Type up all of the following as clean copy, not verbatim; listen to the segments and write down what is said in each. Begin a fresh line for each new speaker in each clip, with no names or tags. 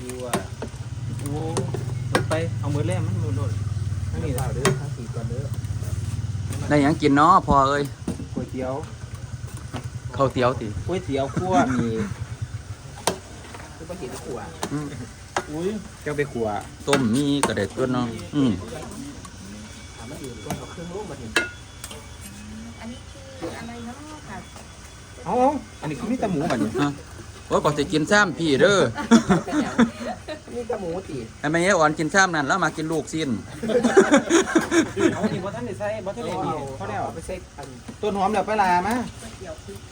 วโอ้ลงไปเอามือแล่มันมือโดดทั้งนี้เปล่าเด้อทั้งสี่ก่อนเด้อ
ได้หยังกินเนาะพอเอ้ย
ก๋วยเตี๋ยว
ข้าวเตี๋ยวติ
ก๋วยเตี๋ยวคั่วมีคือปกติจะขัว
อืม
อุ้ยเจ้าไปขัว
ต้มมีกระเด็ดตัวเนาะ
ถามมาอยู่ก็เอาเครื่องลูกมาถึง
อันนี้คืออะไรเนาะค่ะ
เอาอันนี้คือมีแต่หมูแบบนี้
ฮะโอ้ยก็สิกินซ้ำพี่เด้อ
มีแต่หมูตี
ไอ้แม่อ่อนกินซ้ำนั่นแล้วมากินลูกสิ้น
เอาจริงว่าท่านได้ใส่บ่ท่านได้ดีเขาได้เอาไปใส่ต้นหอมเดี๋ยวไปลามา
ก๋วยเตี๋ยวพริก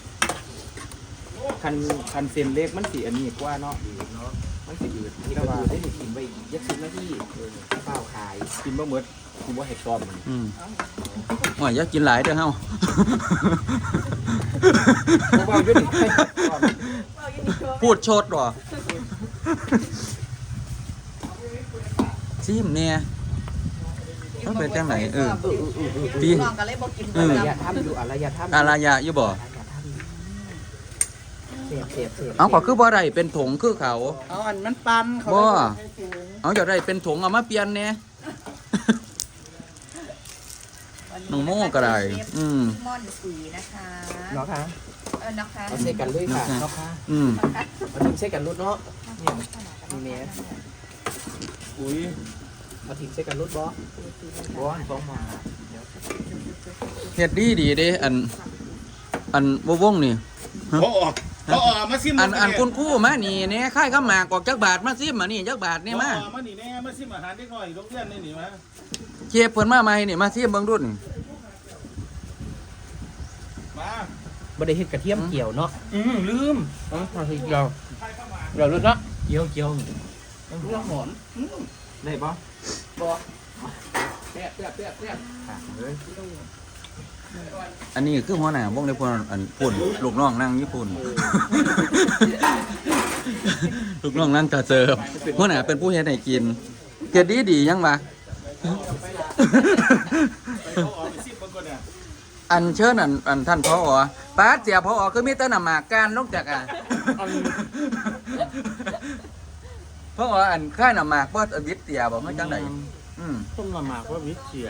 นะคะ
คันเส้นเล็กมันสีอันนี้กว่าเนาะมันสีอืดที่เราได้กินไปยักษ์ชิ้นหน้าที่เปล่าขายกินบ่หมดกินบ่เห็ดตอมมัน
ว่าอย่ากินหลายเด้อเฮา
เบาอยู่นี่
พูดโชดหรอซิมเนี่ยต้องเป็นจังไหนพี่
น้องก็เลยบอกกิน
อารยธรรมอยู่อารยธรรม
อารายะอยู่บ่
เสียบเสียบเสียบ
เอาก็คือบ่ได้เป็นถงคือเขา
เอาอันมันปันเขา
บ่เอาจะได้เป็นถงเอามาเปลี่ยนเนี่ยน้องโม่ก็ได้
ม่อนสีนะคะ
เนาะค่ะ
นะคะ
เอาใส่กันเลยค่ะเนาะค่ะ มันทิ้งใส่กันรุดเนาะเนี่ยมีเมสอุ้ยเอาทิ้งใส่กันรุดบ่บ่ต้องมา
เฮ็ดดีดีเด้อันวงนี่
พอออกมาซิม
อันคุณครู่มานี่เนี่ยค่ายข้ามหมากกอกจักบาทมาซิมมานี่จักบาทนี่มา
มานี่แน่มาซิมอาหารเด็กน้อยโรงเรียนนี่นี่มา
เชฟเพิ่นมาใหม่นี่มาซิมเบิ่งรุ่น
มา
บ่ได้เฮ็ดกระเทียมเกี่ยวเนาะลืมมาสิเกี่ยวเดี๋ยวรุดเนาะเกี่ยวเรื่องหอมได้ปะบ่แซ่บ
อันนี้คือหัวหน้าวงในพลอันปุ่นลูกน้องนั่งญี่ปุ่น ลูกน้องนั่งกระเจิบหัวหน้าเป็นผู้เฮ็ดให้กินเฮ็ดดียังวะ
เขาออกไปซิมบางคนเนี่ย
อันเชิญอันท่านผอป้าเสียผอคือมีแต่น้ำหมากการนอกจากผออันค่ายน้ำหมากบ่วิทย์เตียบ่เฮาจังได๋
ต้มละหมากว่าวิเชีย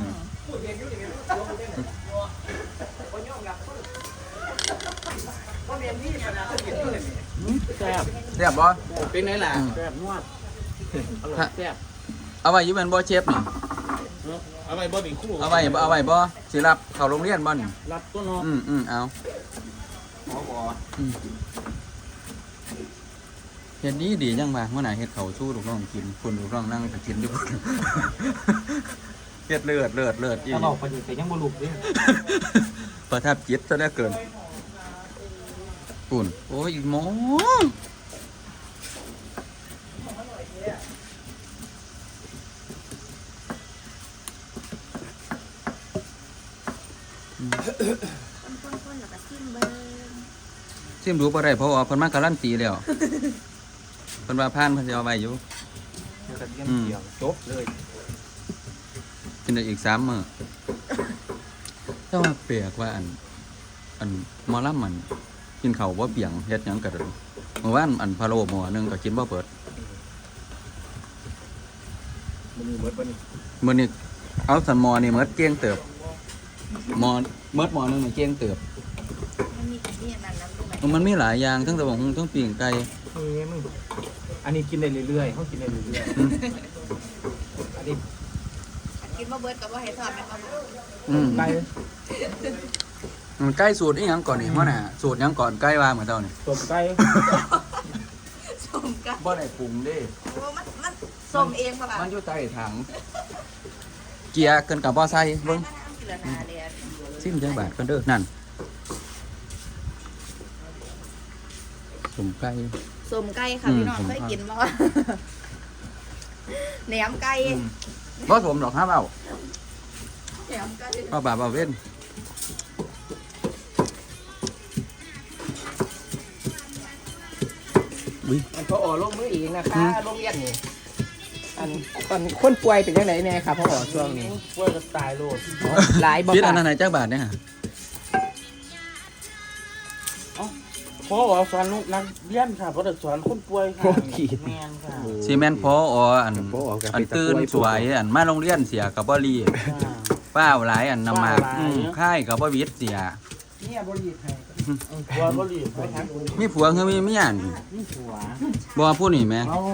แซ่บ
เรียบบ่
เป็นไงล่ะแซ่บนวดอร่อยแซ่บ
เอาไว้อยู่แม่นบ่เชฟนี่
เอาไปบ่หนึ่งคู่
เอาไว้บ่สิรับเข้าโรงเรียนบ่นี่
รับตัวเนาะ
เอา
หมอบอก
เฮ็ดดีจังว่าหัวหน้าเฮ็ดข้าวสู้ลูกน้องกินคุณลูกน้องนั่งก็กินอยู่พุ่น เฮ็ดเลือดอี
ถ้าบอกประเดี๋ยวแต่ยังบ่ลุกเลย
ประทับจิตซะเหลือเกินปุ่นโอ้ยหมอ
คนๆแล้วก็ซิมเบิ้ง
ซิมรู้บ่ได้เพราะว่าเพิ่นมาการันตีแล้วเพิ่นว่าผ่านเพิ่นสิเอาไว้อยู่
กระเทียมเกี่ยวจบเลย
กินได้อีก3มื้อแต่ว่าแปลกว่าอันหมอลำมันกินข้าวบ่เปียงเฮ็ดหยังก็ได้เมื่อวานอันพะโล้หม้อนึงก็กินบ่เปิด
มันมีเบิดบ่นี่
มื้อนี้เอาสันหม้อนี่หมดเกลี้ยงเติบหม้อหมดหม้อนึงนี่เกลี้ยงเติบ
มันมีที่นั่นน้ำด้วย
มันมีหลายอย่างทั้งตะบงทั้งปีงไก่
มึงอันนี้กินได้เรื่อยๆเขากินได้เรื่อยๆอันนี้
กินมาเบิร์ดกับว่าให้ทอดไหมครับ
ไก่
มันไก่สูตรอีหยังก่อนนี่ว่าน่ะสูตรหยังก่อนไก่ว่าเหมือนเจ้านี่
ต้มไก่
ส้มกัน
บ่ได้ปรุงเด้
มันส้มเองป่ะล่ะ
มันอยู่ใต้ถังเกียร์เกินกับบ่ใส่เบิ่ง
กินละนาเลย
ซิมจังบาทกันเด้อนั่นสมไก่
ส้มไก่ค่ะพี่น้องเคยกินมั้ยแหนมไก่
บ่สมดอกฮะเว้า
แหนมไก่
บ่บาปบ่เว้น
มันพอลงมือเองนะคะโรงเรียนนี่อันตอนคนป่วยเป็นยังไงแน่ครับพ่อช่วงนี้ป่วยก็ตายโลดหลายบ่
คิดอั
ค่ะ
นนั้นไหนจักบาทเนี่ยฮะ
เพราะว่าสอนนักเรียนค่ะเพราะแต่สอนคนป่วยค่ะแม่นค่ะ
ซีเมนต์พออันตื่นสวยอันมาโรงเรียนเสียกับบ่รีป้าหลายอันนำมาค่ายกับบ่วิทย์เสีย
เนี่ยบ่รีบให้ผัวบ่รีบไปทางคุณ
มีผัวคือมีเมียน
นี่ผัว
บ่ผู้นี่แม่
เอ้า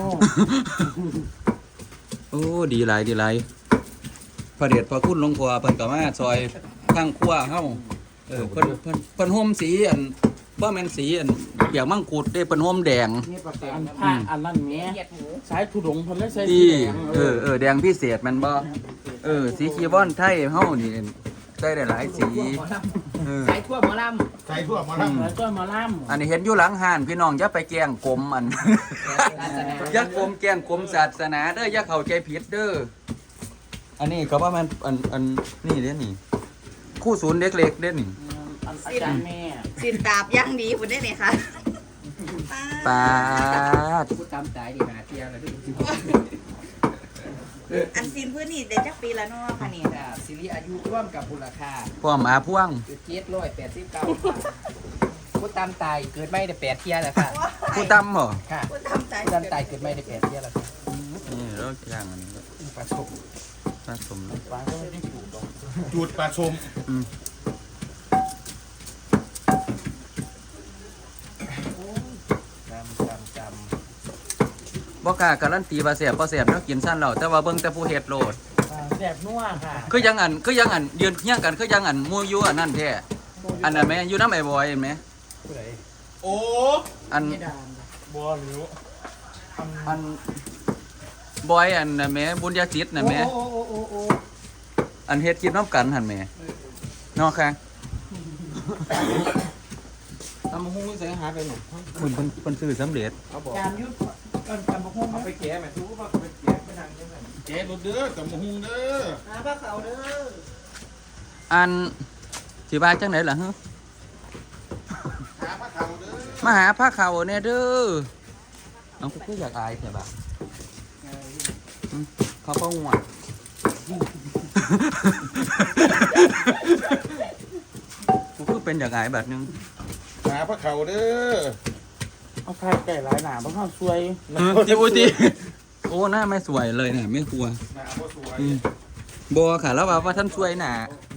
โอ้ดีหลายพระเดชพระคุณหลวงพ่อเพิ่นก็มาซอยทางครัวเฮาเพิ่นห่มสีอันบ่แม่นสีอันเปียกมังคุดเด้เพิ่นห่มแดง
นี่ประกาศผ้าอันนั้นแหม่
เหยียดหมู
สายทุดงเพิ่นเลยใส่สี
ที่
แดง
แดงพิเศษแมันบ่สีคีบอนไทยเฮานี่ได้หลายสี
สายทั่วหมอล
ใส่ทั่วมา
แล้วก็มาล่ำ
อันนี้เห็นอยู่หลังห้านพี่น้องอย่าไปแกล้งกลมอัน อย่ากลมแกล้งกลมศาสนาเด้ออย่าเข้าใจผิดเด้ออันนี้ก็ว่ามันอันนี่เด้นี่คู่ศูนย์เด็กเล็กเด้นี่
อาจารย์แม่
ำสินตาบย่างดีคุณได้ไหมคะ
ปาด
พูดตามใจดีหาเที่ยวเลยพี่
อันสินพื้นนี่ได้จักปีละเนาะค่ะนี่
แต่ซีรีส์อายุร่วมกับมูลค่า
พร้อมอาพ่วง
คือ789พูดตามตายเกิดไม่ได้8เที่ยวแล้วค่ะ
ผู้ตำเหรอ
ค่ะ
คุณทำใจ
พูดตามตายเกิดไม่ได้8เที่ยวแล้วค่ะ
นี่เราย่างอันนี้
ประสบ
ผสมแล้ว
ฟ้าก็ไม่ได้ถูกหรอก
จุดปลาชม
จำ
บ่กล้าการันตีว่าแซ่บบ่แซ่บเนาะกินซั่นแล้วแต่ว่าเบิ่งแต่ผู้เฮ็ดโลด
แสบนัวค่ะ
คือยังอันยืนเฮียงกันคือยังอันหมู่อยู่อันนั้นแท้อันนั้นแม่อยู่นำไอ้บอยเห็นไหม
ผู้ใด
โอ้
อัน
ไม่ดาน
บ่หรือ
อันบอยอันน่ะแม่บุญญาจิตน่ะแม่
โอ้
อันเฮ็ดคลิปนํกันหั่นแม่เนาะค่ะ
ตำหุ้งใส่หาไปหนุ่ม
เพิ่นซื้อสำเร็จ
เขาบอก
จามยุทธจำบ่ฮู้
เอา
ไหม
ไปแก้แม่ทุกว่าไปแก้ไปทางยังไง
แกรถเด้อกับมะฮุงเด้อ
หาผ้าขาวเด้อ
อันสิว่าจังไดล่ะฮะ
หาพระเขาเด้อ
มาหาพระเขาแน่เด้อเอากูคืออยากอายแท้บ่ะเขาก็ง่วง กูคือเป็นอย่างไรแบบนึง
หาพระเขาเด้อ
เอาใครไก่หลายหนาบ่เข้าซวย
จิบุจิโอ้หน้าไม่สวยเลยเนี่ยไม่กลัว
หนาบ่สวย
บัวค่ะแล้วว่าท่านสวยหนา
บ่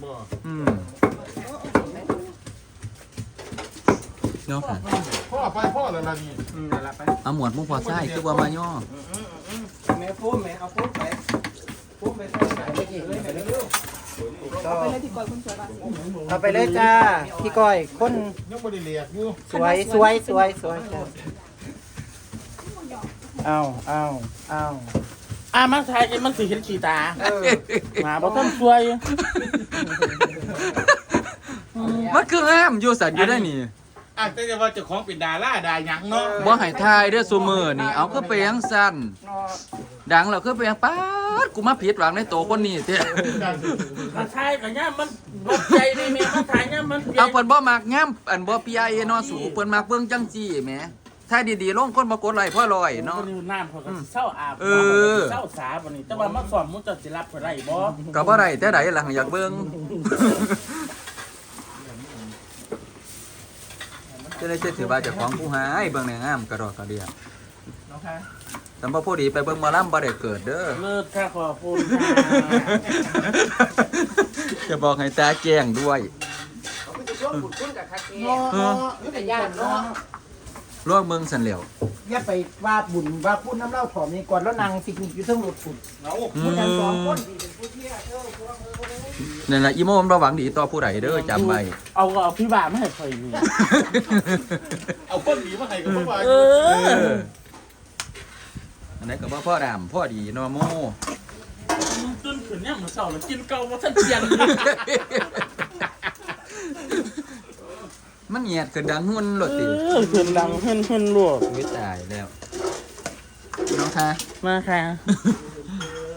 เนาะค่ะ
พ่อแล้วล่ะนี่
นั่นละไป
เอาหมวดมุกพอไส้คือว่ามาย่อ
แม่พุ่มแม่เอาพุ่มไปพุ่มไปใส่ไหนไปกี่เลยไปเร็ว
เอาไปเลยพี่กอยคุณสวยบ้าง
เอาไปเลยจ้าพี่ก้อยคน
ยังบ่ได้เรียกอยู่
สวยจ้าเอา
มันทายกันมันสิเห็นขี้ตาหมาบ่ทันซวย
มันคือห้ามอยู่สัตว์อยู่ได้นี่
อ่ะแต่ว่าเจ้าของเป็นดาราดาหยังเนาะ
บ่ให้ทายเด้อซูมือนี่เอาคือไปยังสั้นดังแล้วคือไปยังป๊าดกูมาผิดหวังในโตวคนนี้เด้
มันทายกันย่ามันบ่ใจนี่แม่มันทายย่ามัน
เอาเพิ่นบ่มักย่ำอันบ่ปีไอเนาะสูเพิ่นมักเบิ่งจังจี้แหมถ้าดีๆลงคนบ่กดไลค์พ่อลอยเนาะ
น้ำเขาก็เศร้าอาบเศร้าสาบ่นี่แต่ว่ามาสอนมุจะสิรับบ่ได้บ่
ก็บ่ได้แต่ใดล่ะอยากเบิ่งจะได้เชื่อถือว่าเจ้าของผู้หายเบิ่งในงามกระดอกกระเดีย
น้องค่ะ
แต่บ่ผู้ดีไปเบิ่งหมอลำบ่ได้เกิดเด้อ
เลิศค่ะขอบคุณ
จะบอกให้ตาแจ้งด้วย
เขาไปจะร่วมบุญคุณกับคาเฟ่
เออ
นี่แต่ย่านเนาะ
ร่วมเมืองสันเหลียว
อย่าไปว่าบุญว่าคุณน้ำเล่าถอมนี่ก่อนแล้วนางสิกนิกอยู่เทั้งรถฝุ่น
เอา
ผู้นั้นสองคนที่เป็นผู้เที่ยว
นั่นล่ะอีโมมันบ่หวังดีต่อผู้ใดเด้อจำไว้
เอาพี่บ่ามาให้ข่อยอยู่
เอาคนดีมาให้กับพวกว่า
เออ
อันไหนก็บ่พ่อดำพ่อดีเนาะโม
มึงตื่นขึ้นเนี่ยมื้อเช้าแล้วกินเก่าบ่ทันเปลี่ยน
มันเหยียดขึ้นดังหุ่นโลดติ
ขึ้นดังเฮิ่นลวก
วิตายแล้วน้องคะ
มาค่ะ